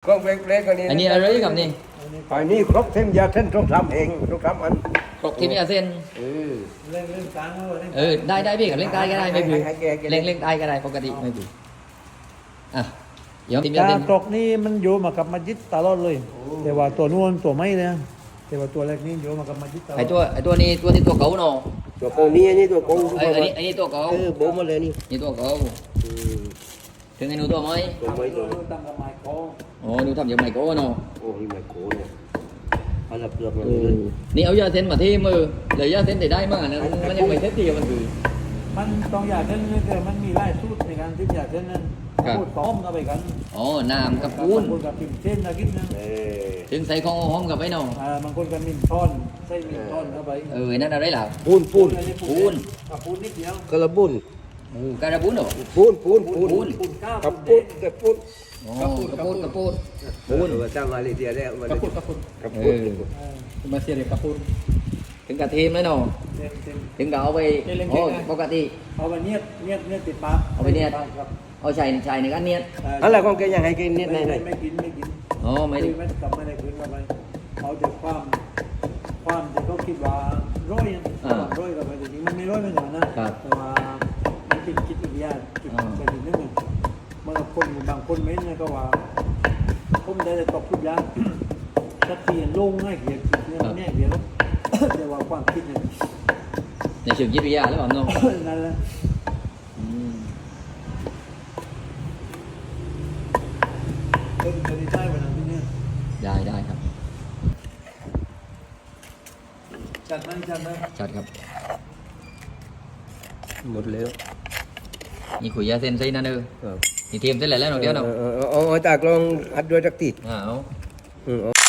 ก็เล็กๆกันนี่อันนี้อะไรกับนี่อันนี้ครบเส้นยาเส้นต้องทำเองต้องทำอันครกที่มีอาเส้นเล่นกลางแล้วได้พี่กับเล่นใต้ก็ได้ไม่ผิดเล่นใต้ก็ได้ปกติไม่ผิดอ่ะเดี๋ยวที่มีอาตาเส้นกรอกนี่มันโยมากับมัสยิดตลอดเลย แต่ว่าตัวนู้นตัวไม่เลยแต่ว่าตัวแรกนี่โยมากับมัสยิดตลอดไอตัวนี้ตัวเก่าเนาะตัวโกงนี่อันนี้ตัวโกงอันนี้ตัวเก่าโบมาเลยนี่นี่ตัวเก่าถึงไอ้หนูตัวไหมตัวไม่ตัวตั้งกับไม้โค้งอ๋อหนูทำอย่างไรก็เนาะโอ้ยไม่โกงเนี่ยอันละเปลือกมันนี่เอายาเส้นมาที่มือเลยยาเส้นได้มากนะมันยังไม่เซ็ตดีมันคือมันต้องอยากเล่นแต่มันมีหลายสูตรในการที่อยากเล่นนั้นพูดพร้อมกันไปกันอ๋อน้ำกับปูนบางคนกับปิ่มเส้นนะคิดนะถึงใส่ของหอมกับไอ้เนาะบางคนกับมินทอนใส่มินทอนเข้าไปนั่นอะไรล่ะปูนปูนปูนนิดเดียวกระบุนการะบุนเหรอปูนปูนก้าวกับปูนกับปูนอ๋อกระปูนปูนจ้างมาเลยเดียวแล้วกับปูนกับปูนมาเสียเด็กกับปูนถึงกระเทียมแล้วเนาะเต็มถึงก็เอาไปโอ้ปกติเอาไปเนียดติดปากเอาไปเนียดครับเอาใส่ในกันเนียดอะไรของแกยังให้กินนิดหน่อยไม่กินอ๋อไม่ได้ไม่กลับไม่ได้คืนเข้าไปเขาจะความที่เขาคิดว่าร้อยร้อยกับไปจริงมันไม่ร้อยไม่หนานะแต่ว่ามันเป็นคิดอีกอย่างคิดไปถึงนึงมันคนบางคนไม่เนี่ยก็ว่าผมได้ตกทุกอย่างถ้าเปลี่ยนลงง่ายเกียร์เนี่ยมันแน่เกียร์แล้วแต่ว่าความคิดเนี่ยในเชิงจิตวิทยาแล้วเปล่าเนาะนั่นแหละเป็นไปได้วันนั้นที่เนี่ยได้ครับจัดไหมจัดครับหมดแล้วนี่ขุยยาเส้นใส่นั่นนี่เทียมเส้นอะไรแล้วเนาะเดี๋ยวเนาะเอาตากลองอัดด้วยจักติดเอา